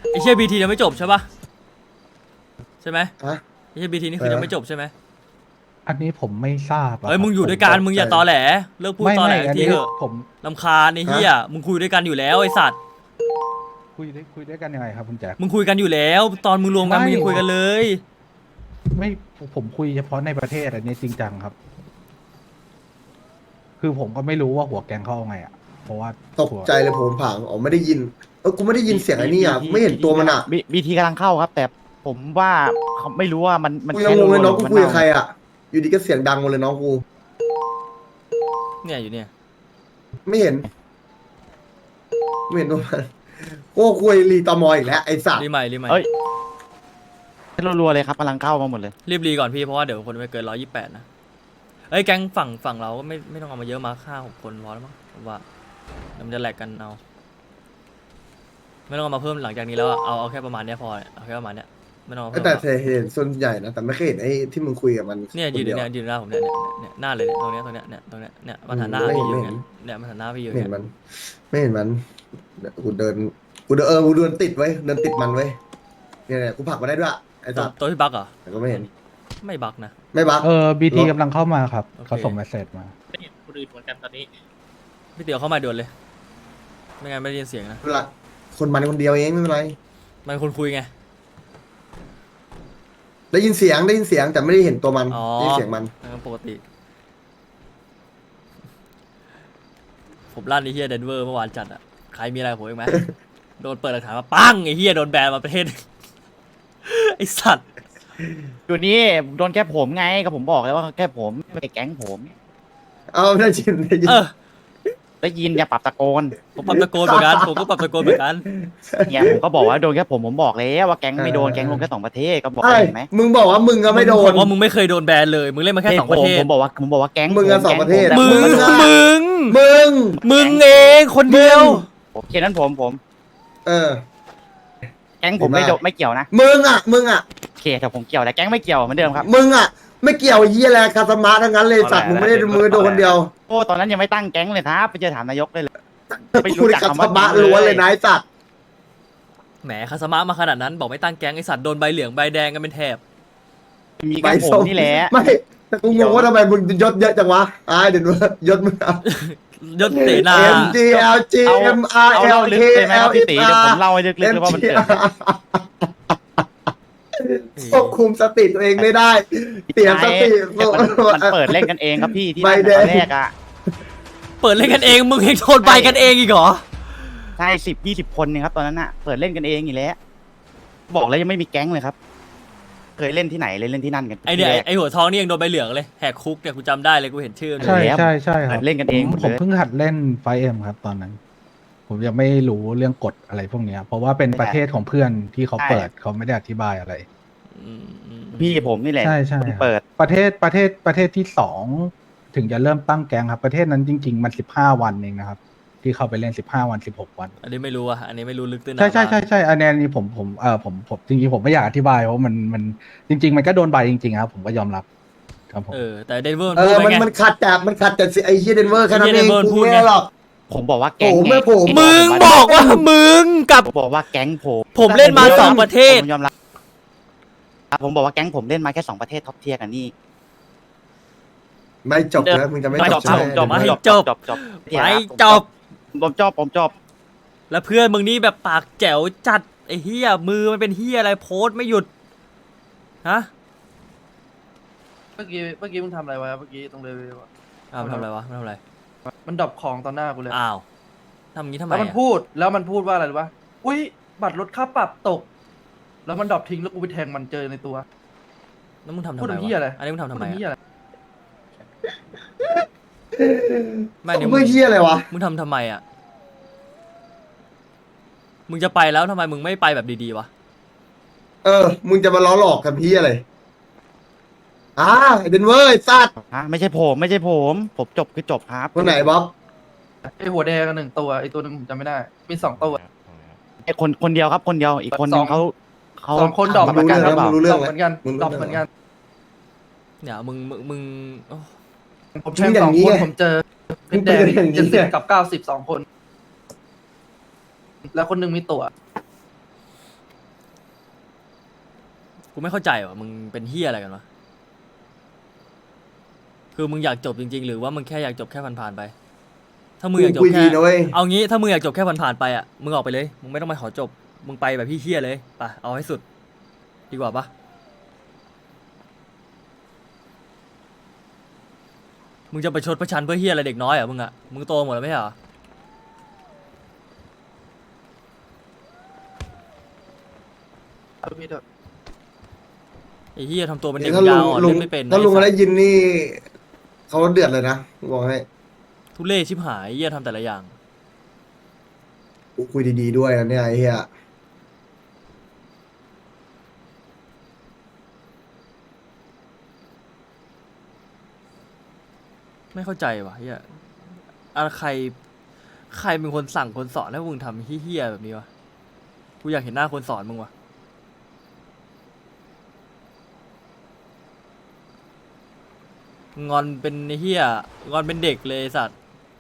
ไอเชี่ยบีทียังไม่จบใช่ปะใช่ไหมฮะไอเชี่ยบีทีนี่คือยังไม่จบใช่ไหมอันนี้ผมไม่ทราบอะเฮ้ยครับมึงอยู่ด้วยกันมึงอย่าตอแหลเลิกพูดตอแหลอันทีนี้เถอะผมรำคาญไอ้เหี้ยมึงคุยด้วยกันอยู่แล้วไอ้สัตว์คุยด้วยกันยังไงครับคุณแจ็คมึงคุยกันอยู่แล้ว ตอนมึงรวมกันไม่มึงยังคุยกันเลยไม่ผมคุยเฉพาะในประเทศอันนี้จริงจังครับ คือผมก็ไม่รู้ว่าหัวแกงเข้าไงอ่ะเพราะว่าตกใจเลยผมผังอ๋อไม่ได้ยินกูไม่ได้ยินเสียงไอ้นี่อ่ะไม่เห็นตัวมันอ่ะบีทีกำลังเข้าครับ แต่ผมว่าเขาไม่รู้ว่ามันกูยังงงเลยน้องกูมันคุยกับใครอ่ะอยู่ดีก็เสียงดังหมดเลยน้องกูเนี่ยอยู่เนี่ยไม่เห็นตัวมันโอ้คุยรีตอมออีกแล้วไอ้สัตว์รีใหม่รีใหม่เอ้ยรัวๆเลยครับกำลังเข้ามาหมดเลยรีบรีก่อนพี่เพราะว่าเดี๋ยวคนไม่เกิน128นะเอ้ยแก๊งฝั่งเราก็ไม่ต้องเอามาเยอะมา5-6 คนพอแล้วมั้งผมว่าเดี๋ยวมันจะแหลกกันเอาไม่ต้องเอามาเพิ่มหลังจากนี้แล้วอะเอาแค่ประมาณเนี้ยพอเอาแค่ประมาณเนี้ยไม่ต้องเอาเพิ่มแต่แล้วเห็นส่วนใหญ่นะแต่ไม่เคยเห็นไอ้ที่มึงคุยกับมันเนี่ยยืนคดีวเนี่ยยืนหน้าผมเนี่ยหน้าเลยเนี่ยตรงเนี้ยเนี่ยมันหันหน้าพี่อยู่เนี่ยมันหันหน้าพี่อยู่ไม่เนี่เห็ยนมันไม่เห็นมันกูเดินกูเดินติดไว้เดินติดมันไว้เนี่ยกูผลักมาได้ด้วยไอ้สัตว์ตัวพี่บักเหรอแต่ก็ไม่เห็นไม่บักนะไม่บักบีทีกำลังเข้ามาครับโอเคเขาส่งเมสเซจมาไม่เห็นคนอื่นเหมือนกันตอนนี้พี่เตี๋ยวเข้ามาด่วนเลยไม่งั้นไม่ได้ยินเสียงนะเวลาคนมันคนเดียวเองไม่เป็นไรมันคนคุยไงได้ยินเสียงแต่ไม่ได้เห็นตัวมันอ๋อได้ยินเสียงมันปกติ ผมลั่นไอ้เฮียเดนเวอร์เมื่อวานจัดอ่ะ ใครมีอะไรกับผมอีกไหม โดนเปิดหลักฐานมาปังไอ้เฮียโดนแบนมาประเทศ ไอ้สัตว์อยู่นี่โดนแค่ผมไงก็ผมบอกแล้วว่าแค่ผมไม่ใช่แก๊งผมเอาได้ยินได้ยินอย่าปรับตะโกนผมปรับตะโกนเหมือนกันผมก็ปรับตะโกนเหมือนกันเนี่ยผมก็บอกว่าโดนแค่ผมบอกแล้วว่าแก๊งไม่โดนแก๊งลงแค่2 ประเทศก็บอกไอ้เห็นไหมมึงบอกว่ามึงก็ไม่โดผนมว่ามึงไม่เคยโดนแบนเลย มึงเล่นมาแค่2 ประเทศผมบอกว่าแก๊งมึงอะ2 ประเทศแต่มึงอะมึงเองคนเดียวโอเคนั้นผมเออแก๊งผมไม่โดนไม่เกี่ยวนะมึงอ่ะโอเคแต่ผมเกี่ยวแต่แก๊งไม่เกี่ยวเหมือนเดิมครับมึงอ่ะ ไม่เกี่ยวไอ้เหี้ยอะไรคาสมาทั้งนั้นเลยสัตว์มึงไม่ได้มือโดนคนเดียวโอ้ตอนนั้นยังไม่ตั้งแก๊งเลยครับไปเจอถามนายกได้เลย ไม่รู้คุยจักคาคำสว่ามาล้วนเลยนะไอ้สัตว์แหมคาสมะมาขนาดนั้น บอกไม่ตั้งแก๊งไอสัตว์โดนใบเหลืองใบแดงกันเป็นแถบมีแค่ผมนี่แหละไม่แต่กูงงว่าทำไมมึงยศเยอะจังวะเดี๋ยวว่ายศมึงยศเสนา M G L G เอา M R เอา L เล่าลึก K เลยไหมค L รับพี่ F ตีเดี๋ยวผมเล่าให้ลึกๆเลยว่ามันเกิดควบคุมสติตัวเองไม่ได้เสียสติมันเปิดเล่นกันเองครับพี่ที่ใบนั่นแดงตอนแรกอ่ะเปิดเล่นกันเองมึงเองโดนใบกันเองอีกเหรอใช่10-20 คนเนี่ยครับตอนนั้นอ่ะเปิดเล่นกันเองอยู่แล้วบอกแล้วยังไม่มีแก๊งเลยครับ เคยเล่นที่ไหนเลยเล่นที่นั่นกันไอเนี่ยไอหัวทองนี่ยังโดนใบเหลืองเลยแหกคุกเนี่ยกูจำได้เลยกูเห็นชื่อมันใช่เลยใช่คเปิรับดเล่นกันเองหมดผมเลยเพิ่งหัดเล่นไฟเอ็มครับ ตอนนั้น ผมยังไม่รู้เรื่องกฎอะไรพวกเนี้ย เพราะว่าเป็นประเทศของเพื่อนที่เขาเปิดเขาไม่ได้อธิบายอะไรพี่ผมนี่แหละใช่ใช่คนครับเปิดประเทศที่2ถึงจะเริ่มตั้งแก๊งครับ ประเทศนั้นจริง ๆ มัน15 วันเองนะครับ ที่เข้าไปเล่น15 วัน16 วันอันนี้ไม่รู้อ่ะอันนี้ไม่รู้ลึกตื้นใช่อันนี้ผมจริงๆผมไม่อยากอธิบายเพราะมันจริง ๆ มันก็โดนใบจริงๆครับ ผมก็ยอมรับครับผมแต่เดนเวอร์เอพูอดไปไงมันขัดแต่ไอ้เฮียเดนเวอร์แค่นั้นเองไอ้เหี้ยเดนเวอร์กูพูดไม่ไงได้หรอกผมบอกว่าแก๊งผมไงไม่ผมมึงบอกว่ามึงกับผมบอกว่าแก๊งผมผมเล่นมา2 ประเทศผมยอมรับผมบอกว่าแก๊งผมเล่นมาแค่2 ประเทศท็อปเทียร์กันนี่ไม่จบนะมึงจะไม่ไม่จจบบ ใช่ผมจบไหมให้จบไม่จบผมจบแล้วเพื่อนมึงนี่แบบปากแจ๋วจัดไอ้เฮียมือมันเป็นเฮียอะไรโพสต์ไม่หยุดฮะเมื่อกี้มึงทำอะไรวะเมื่อกี้ตรงเลยมันทำอะไรวะมันทำอะไรมันดรอปของต่อหน้ากูเลยอ้าวทำอย่างนี้ทำไมแล้วมันอะพูดว่าอะไรรู้ปะอุ้ยบัตรลดค่าปรับตก แล้วมันดรอปทิ้งแล้วกูไปแทงมันเจอในตัวแล้วมึงทำทำพูดไมถึงเหี้ยอะไรวะอันนี้มึงทำทำไมพูดถึงเหี้ยอะอะไรไม่เนี่ยมึงเฮียอะไรวะมึงทำทำไมอะมึงจะไปแล้วทำไมมึงไม่ไปแบบดีๆวะมึงจะมาล้อหลอกกันพี่อะไรเดนเวอร์ไอ้สัตว์ไม่ใช่ผมจบคือจบครับคนไหนบ๊อบไอหัวแดงกัน1 ตัวไอตัวหนึงผมจำไม่ได้ มี2 ตัวไอ้คนเดียวครับคนเดียวอีกคนนึงเขา 2 คนดรอปทำประกันหรือเปล่ารู้ดเรื่รออง ปแล้วเหมือนกันมึงรู้ดรอปเรื่องเหมือนกันเนี่ยมึงโอ้ผมแทง2 คนผมเจอเป็นแดง70 กับ 90 2 คน แล้วคนหนึงมีตัวกูไม่เข้าใจว่ะมึงเป็นเฮียอะไรกันวะคือมึงอยากจบจริงๆหรือว่ามึงแค่อยากจบแค่ผ่านๆไป ถ้ามึงอยากจบคุยแค่ดีนะเว้ยเอางี้ถ้ามึงอยากจบแค่ผ่านๆไปอ่ะมึงออกไปเลยมึงไม่ต้องมาขอจบมึงไปแบบพี่เฮียเลยไปเอาให้สุดดีกว่าปะมึงจะไปชดประชันเพื่อเฮียอะไรเด็กน้อยเหรอ่ะมึงอ่ะมึงโตหมดแล้วไม่ใช่เหรอเอาพี่เถอะไอ้เฮียทำตัวเป็นเด็กถ้าปัญลุญาง อ่อนลุเล่งนไม่เป็นถ้าลุงไอ้สัได้ตว์ยินนี่เขาเดือดเลยนะบอกให้ทุเล่ชิบหายไอ้เฮียทำแต่ละอย่างกูคุยดีๆด้วยนะเนี่ยไอ้เหี้ยไม่เข้าใจว่ะเฮียอะไรใครเป็นคนสั่งคนสอนให้มึงทำเฮี้ยๆแบบนี้วะกูอยากเห็นหน้าคนสอนมึงว่ะงอนเป็นไอ้เฮี้ยงอนเป็นเด็กเลยไอ้สัตว์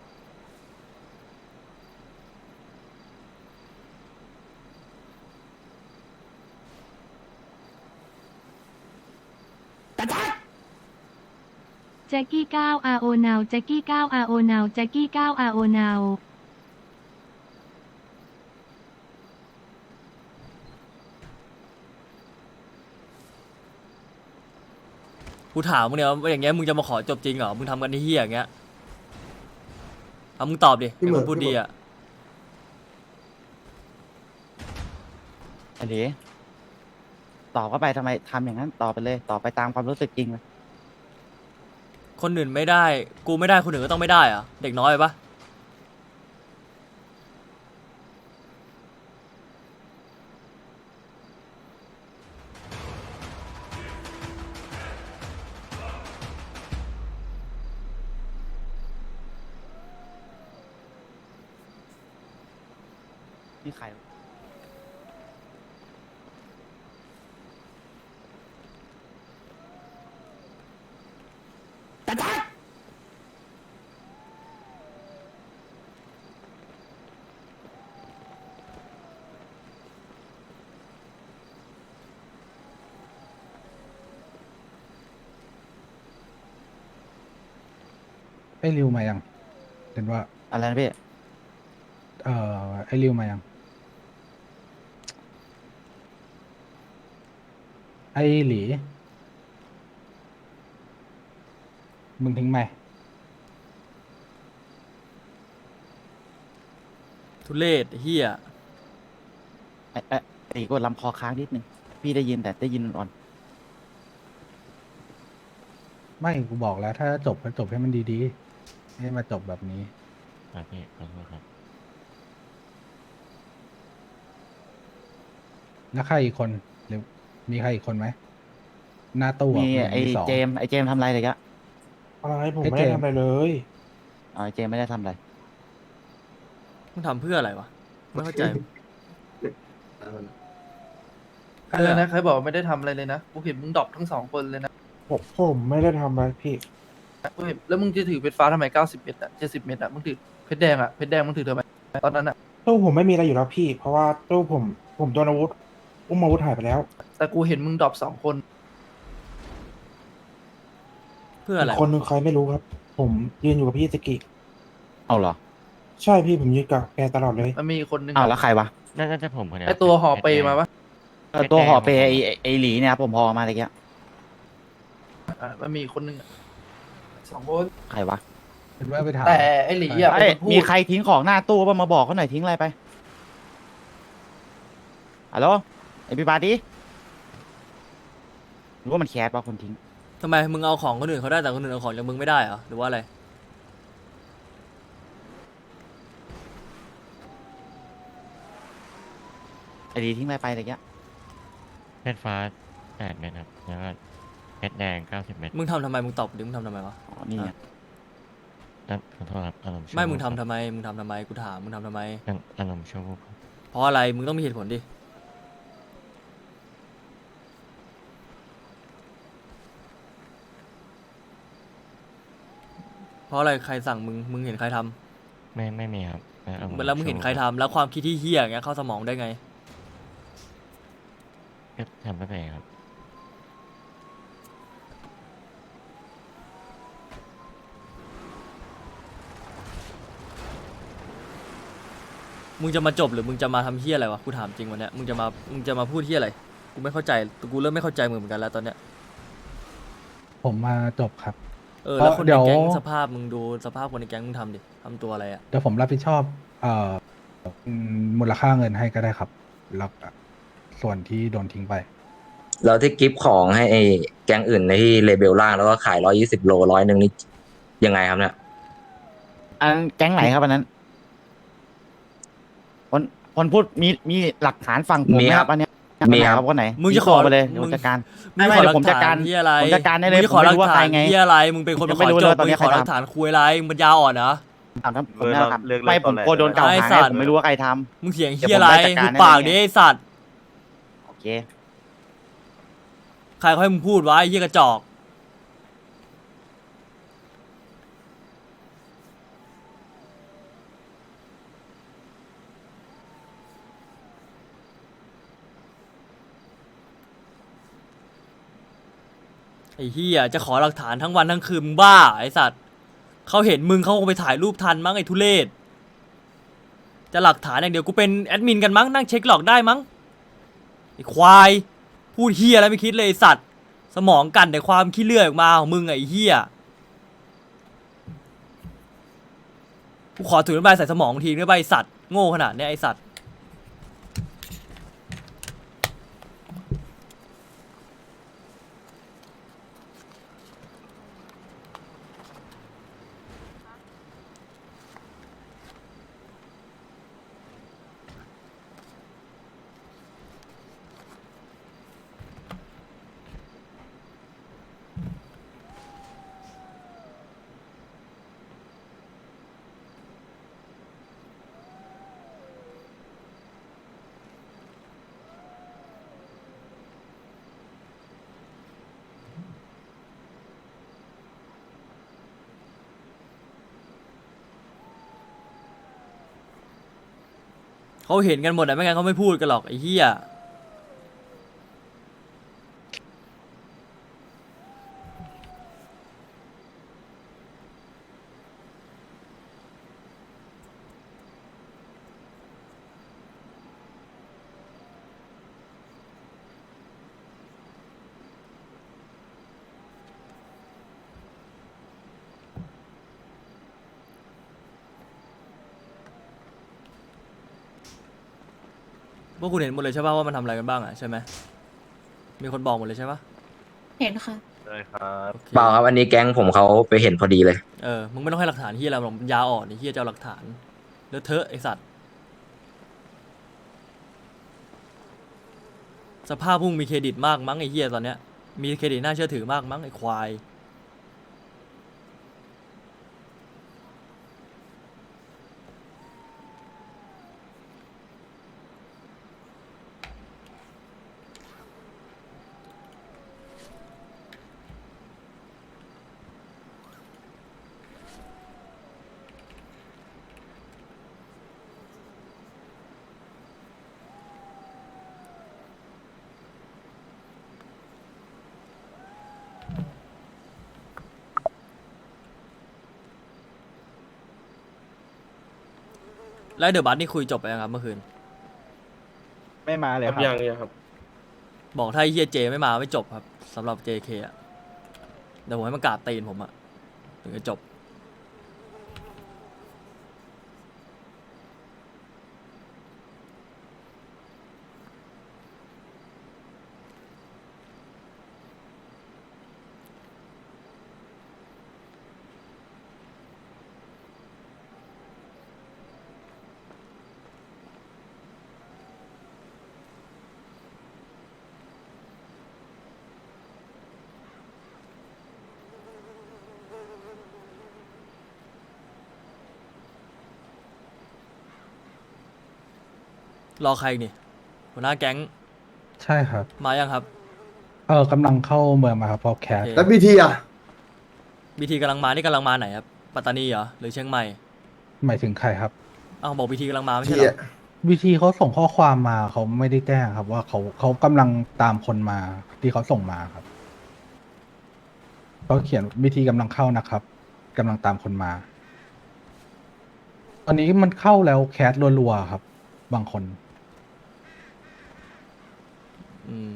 แจ็กกี้9 RO now แจ็กกี้9 RO now แจ็กกี้9 RO now กูถามมึงเนี่ยว่าอย่างเงี้ยมึงจะมาขอจบจริงเหรอมึงทำกันไอ้เฮี้ยอย่างเงี้ยเอามึงตอบดิเป็นคนพูดดีอ่ะอันนี้ตอบเข้าไปทำไมทำอย่างนั้นตอบไปเลยตอบไปตามความรู้สึกจริงเลยคนอื่นไม่ได้กูไม่ได้คนอื่นก็ต้องไม่ได้เหรอะเด็กน้อยไปปะนี่ใครไอ้ริวมายังเห็นว่าอะไรนะพี่ไอ้ริวมายัง ไอ้หลี มึงทิ้งไหมทุเรศเฮี้ยไอ้กดลำคอค้างนิดนึงพี่ได้ยินแต่ได้ยินอ่อนไม่กูบอกแล้ว ถ้าจบก็จบให้มันดีๆไม่ให้มาจบแบบนี้ครับพี่ขอโทษครับแล้วใครอีกคนหรือมีใครอีกคนไหมหน้าตู้อะมีหนึ่งไอ้มีสองเจมส์ไอ้เจมส์ทำอะไรเลยกะอะไรผมไอ้ไม่เจได้มส์ทำอะไรเลยอ๋อไอ้เจมส์ไม่ได้ทำอะไรมึงทำเพื่ออะไรวะไม่เข้าใจอะไรนะใครบอกว่าไม่ได้ทำอะไรเลยนะกูเห็นมึงดรอปทั้งสองคนเลยนะผมไม่ได้ทำอะไรพี่กูเห็นแล้วมึงจะถือเพชรฟ้าทำไม90 เม็ดอะ70 เม็ดอะมึงถือเพชรแดงอะเพชรแดงมึงถือทำไมตอนนั้นอะตู้ผมไม่มีอะไรอยู่แล้วพี่ เพราะว่าตู้ผมโดนอาวุธอุ้มอาวุธหายไปแล้วแต่กูเห็นมึงดรอป2 คนเพื่ออะไรอีกคนนึงใครไม่รู้ครับ ผมยืนอยู่กับพี่สกิเอาเหรอใช่พี่ผมยืนกับแกตลอดเลยมันมีอีกคนนึงอ้าวแล้วใครวะน่าจะผมคนเดียวไอตัวห่อเปมาปะตัวห่อเปย์ไอ้หลีเนี่ยครับผมพอมาอะไรเงี้ยมันมีอีกคนนึงอะ2 คนใครวะเห็นว่าไปถามแต่ไอหลีอะเอ้ยเป็นคนพูดมีใครทิ้งของหน้าตู้ป่ะมาบอกเขาหน่อยทิ้งอะไรไปฮัลโหลไอพี่ปาร์ตี้หรือว่ามันแคสป่ะคนทิ้งทำไมมึงเอาของคนอื่นเขาได้แต่คนอื่นเอาของจากมึงไม่ได้เหรอหรือว่าอะไรไอหลีทิ้งอะไรไปอะไรเงี้ยเพชรฟ้า8 เม็ดครับแล้วก็เพชรแดง90 เม็ดมึงทำทำไมมึงตอบดิมึงทำทำไมวะอ๋อนี่ไงครับขอโทษครับอารมณ์ชั่วไม่มึงวูบทำทำไมมึงทำทำไมกูถามมึงทำทำไมครับอารมณ์ชั่ววูบครับเพราะอะไรมึงต้องมีเหตุผลดิเพราะอะไรใครสั่งมึงเห็นใครทำไม่มีครับอารณ์แล้วมึงเห็นใครทำแล้วความคิดที่เฮี้ยอย่างเงี้ยเข้าสมองได้ไงก็ทำไม่เป็นครับมึงจะมาจบหรือมึงจะมาทำเฮี้ยอะไรวะกูถามจริงวันเนี้ยมึงจะมาพูดเฮี้ยอะไรกูไม่เข้าใจกูเริ่มไม่เข้าใจมึงเหมือนกันแล้วตอนเนี้ยผมมาจบครับแล้วคนเดี๋ในยวแก๊งสภาพมึงดูสภาพคนในแก๊งมึงทำดิทำตัวอะไรอ่ะเดี๋ยวผมรับผิดชอบมูลค่าเงินให้ก็ได้ครับแล้วส่วนที่โดนทิ้งไปแล้วที่กิฟต์ของให้ไอ้แก๊งอื่นในที่เลเบลล่างแล้วก็ขาย120 โล100นี่ยังไงครับเนี่ยอันแก๊งไหนครับอันนั้นคนพูดมีหลักฐานฝั่งผมไหมครับอันเนี้ยมีครับคนไหนมึงจะขอโทรไปเลยมึเดี๋ยวงผมจัดการมึงไม่ขอเดี๋หยลัวผมกจัดฐาการนที่อะไรผมจัดการได้เลยมึงจะขอหลักผมไม่รู้ว่าฐาใครนไงที่อะไรมึงเป็นคนยัมาง ขไม่อรู้จเลยบว่าตอนมึนี้งขอหลักใครทำฐานคุยอะไรมึงปัญญาอ่อนนะไม่ผมกลัวโดนกล่าวไอ้หาสัตว์ผมไม่รู้ว่าใครทมึงเถียงเดี๋ยวเฮี้ยอะไรผมไปจัดการกูปากให้ดิเลยไอ้สัตว์ำโอเคใครเขาให้มึงพูดวะไอ้เฮี้ยกระจอกไอ้เฮี้ยจะขอหลักฐานทั้งวันทั้งคืนมึงบ้าไอ้สัตว์เขาเห็นมึงเขาคงไปถ่ายรูปทันมั้งไอ้ทุเรศจะหลักฐานอย่างเดียวกูเป็นแอดมินกันมั้งนั่งเช็คหลอกได้มั้งไอ้ควายพูดเฮี้ยอะไรไม่คิดเลยไอ้สัตว์สมองกันแต่ความขี้เลื่อยออกมาของมึงไอ้เฮี้ยกูขอถุงน้ำลายใส่สมองทีด้วยใบสัตว์โง่ขนาดเนี้ยไอ้สัตว์เขาเห็นกันหมดอะไม่งั้นเขาไม่พูดกันหรอกไอ้เหี้ยพวกคุณเห็นหมดเลยใช่ป่ะว่ามันทำอะไรกันบ้างอะใช่ไหมมีคนบอกหมดเลยใช่ป่ะเห็นค่ะโอเคเปล่าครับอันนี้แก๊งผมเขาไปเห็นพอดีเลยมึงไม่ต้องให้หลักฐานเหี้ยอะไรหรอกปัญญาอ่อนไอ้เหี้ยจะเอาหลักฐานเลอะเทอะไอ้สัตว์สภาพพวกมึงมีเครดิตมากมั้งไอ้เหี้ยตอนเนี้ยมีเครดิตน่าเชื่อถือมากมั้งไอ้ควายแล้วเดอะบัสนี่คุยจบไปยังครับเมื่อคืนไม่มาเลยครับบอกถ้าไอ้เฮียเจไม่มาไม่จบครับสำหรับ JK อ่ะเดี๋ยวผมให้มันกราบตีนผมอ่ะถึงจะจบรอใครอีกนี่หัวหน้าแก๊งใช่ครับมายังครับกำลังเข้าเมืองมาครับพอแคสโอเคแล้วบีทีอ่ะบีทีกำลังมานี่กำลังมาไหนครับปัตตานีเหรอหรือเชียงใหม่หมายถึงใครครับอ้าวบอกบีทีกำลังมาไม่ทีใช่เหรออ่ะวิธีเขาส่งข้อความมาเขาไม่ได้แจ้งครับ ว่าเขากำลังตามคนมาที่เขาส่งมาครับเขาเขียนวิธีกำลังเข้านะครับกำลังตามคนมา ตอนนี้มันเข้าแล้วแคสรัวๆครับบางคนอืม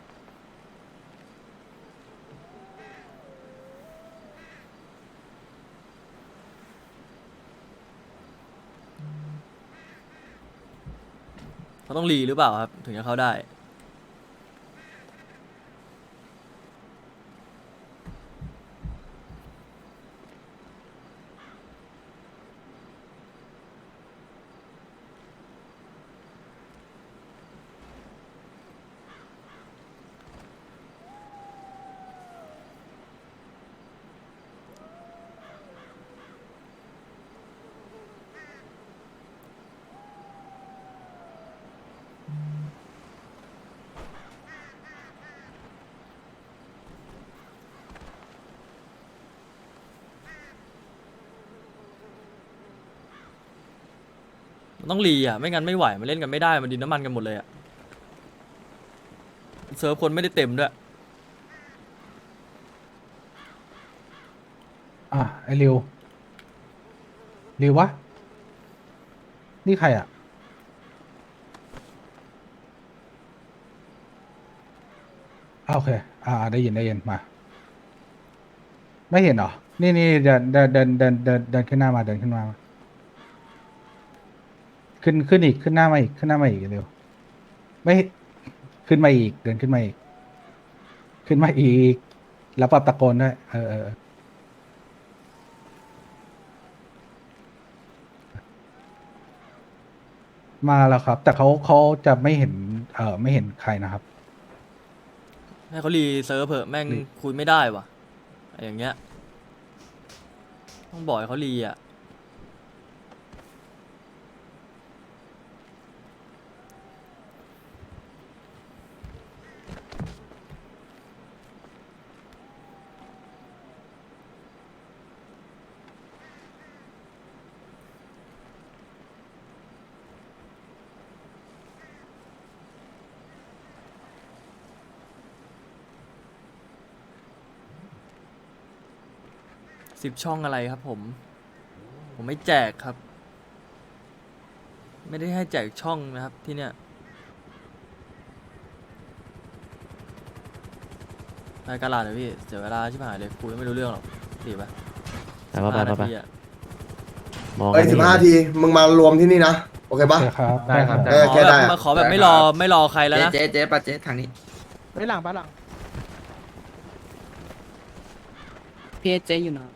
เขาต้องรีหรือเปล่าครับ ถึงจะเข้าได้ มันต้องรีอ่ะ ไม่งั้นไม่ไหว มันเล่นกันไม่ได้ มันดินน้ำมันกันหมดเลยอ่ะ เซิร์ฟคนไม่ได้เต็มด้วยไอริววะ นี่ใครอ่ะโอเค ได้ยินมา ไม่เห็นเหรอ นี่เดินขึ้นหน้ามาเดินขึ้นมา ขึ้นอีกขึ้นหน้ามาอีกเร็วไม่ขึ้นมาอีกเดินขึ้นมาอีก แล้วปรับตะโกนด้วยมาแล้วครับ แต่เขาจะไม่เห็นไม่เห็นใครนะครับให้เขารีเซิร์ฟเถอะแม่งคุยไม่ได้ว่ะอะไรอย่างเงี้ย ต้องบอกให้เขารีอ่ะ 10 ช่องอะไรครับผม ผมไม่แจกครับ ไม่ได้ให้แจกช่องนะครับที่เนี้ยรายการลาเดี๋ยวพี่เสียเวลาชิบหายเลยคุยไม่รู้เรื่องหรอกดีปะแต่ว่า 15 ไปนาทีอะมองเอ้ย15 ทีมึงมารวมที่นี่นะ โอเคปะโอเคครับได้ครับเออขอแค่แบได้บอะมาขอแบบไม่รอใครแล้วนะเจ๊ปัดเจ๊ทางนี้ไปหลังพีเอเจอยู่นะ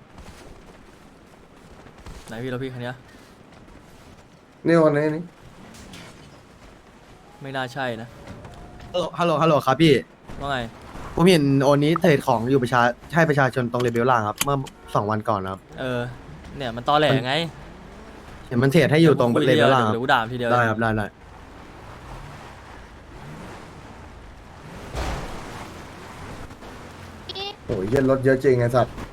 ไหนพี่เราพี่คันเนี้ยนี่คนนี้นี่ไม่น่าใช่นะฮัลโหลครับพี่ว่าไงผมเห็นโอนนี้เทรดของอยู่ให้ประชาชนตรงเลเบลล่างครับ เมื่อ2 วันก่อนครับเนี่ยมันตอแหลไงเห็นมันเทรดให้อยู่ตรงเลเบลล่างคเดี๋รัยวบกูด่าทีเดียวได้ครับได้โอ้ยเหี้ยรถเยอะจริงไอ้สัตว์